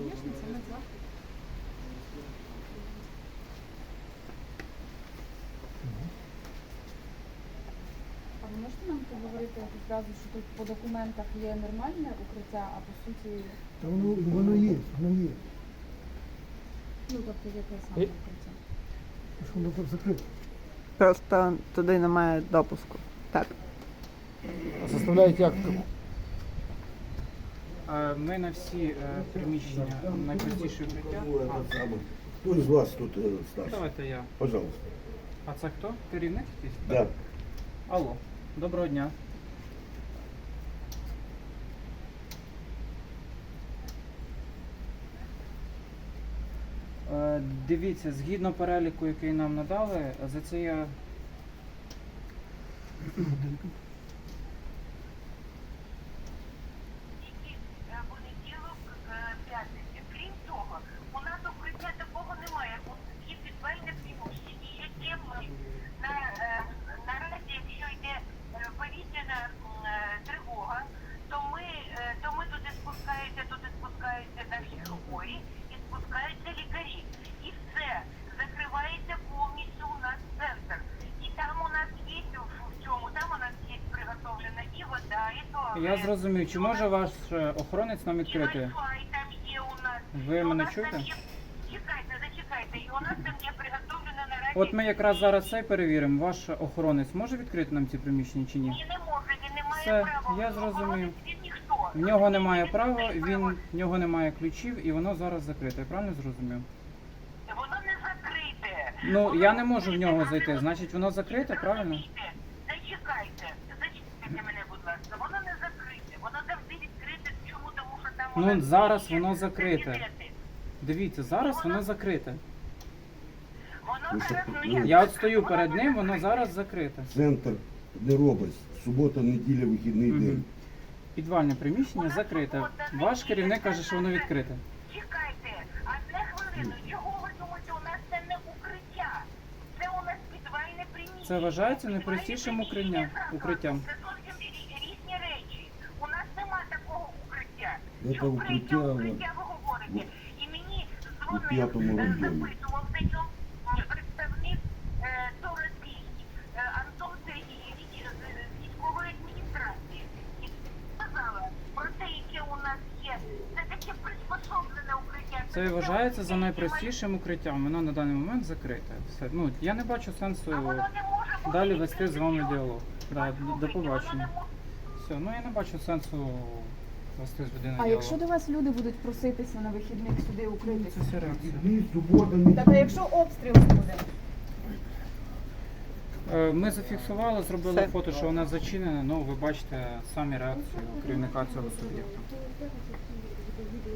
звісно, це медзаклад. А ви можете нам поговорити відразу, що тут по документах є нормальне укриття, а по суті, Та воно є, воно є. ну тобто яке саме укриття? Що воно там закрите. Просто туди немає допуску. Так. А составляють як? Ми на всі приміщення найпростіше укриття. Кто из вас тут старший? Давайте я. Пожалуйста. А це хто? Керівник якийсь? Да. Алло, доброго дня. Дивіться, згідно переліку, який нам надали, за це я... Понеділок, п'ятниця. Крім того, у нас укриття такого немає. Є підвальне приміщення, яке ми наразі, якщо йде повітряна тривога, то ми туди спускаються наші хворі і спускаються лікарі. І все, закривається повністю у нас центр. І там у нас є, в цьому, там у нас є приготовлена і вода, і туалет. Я зрозумів, чи може ваш охоронець нам відкрити? І Wi-Fi там є у нас. Ви І у мене нас чуєте? там є- Зачекайте. І у нас там є приготовлена наразі... От ми якраз зараз це перевіримо. Ваш охоронець може відкрити нам ці приміщення чи ні? Ні, не може, він не має Все, права. я зрозумів. Охоронець він ніхто. В нього немає права, в нього немає ключів і воно зараз закрите. Я правильно зрозумів? Воно не закрите. Ну, я не можу в нього зайти, значить воно закрите, правильно? Зачекайте мене, будь ласка. Воно не закрите. Воно завжди відкрите. Чому? Тому що там... у Ну, нас зараз є воно закрите. кабінети. Дивіться, зараз воно закрите. Воно зараз... Я от стою перед ним, воно зараз закрите. Центр не робить. Субота, неділя, вихідний Мгм. день. Підвальне приміщення закрите. Ваш керівник каже, що воно відкрите. Чекайте, одне хвилину. Чого ви думаєте, у нас це не укриття? Це у нас підвальне приміщення. Це вважається найпростішим укриттям. Це зовсім різні речі. У нас нема такого укриття. Це Що укриття, укриття ви говорите? І мені у п'ятому дзвонив, районі. запитував причому представник Торосій, Антон Сергійович з військової адміністрації. І сказала про те, яке у нас є. Це таке приспособлене укриття. Це вважається за найпростішим укриттям. Воно на даний момент закрите. Все. Ну, я не бачу сенсу А воно не може бути далі вести з вами відкрите. діалог. Да, Послухайте, до побачення. воно не може- Все, ну я не бачу сенсу вести з людиною А діалог. якщо до вас люди будуть проситися на вихідних сюди укритися? Це все реакція. Вихідний, субота, неділя. Так, а якщо обстріл буде? Ми зафіксували, зробили Все. фото, що вона зачинена. Ну, ви бачите самі реакцію керівника цього суб'єкту.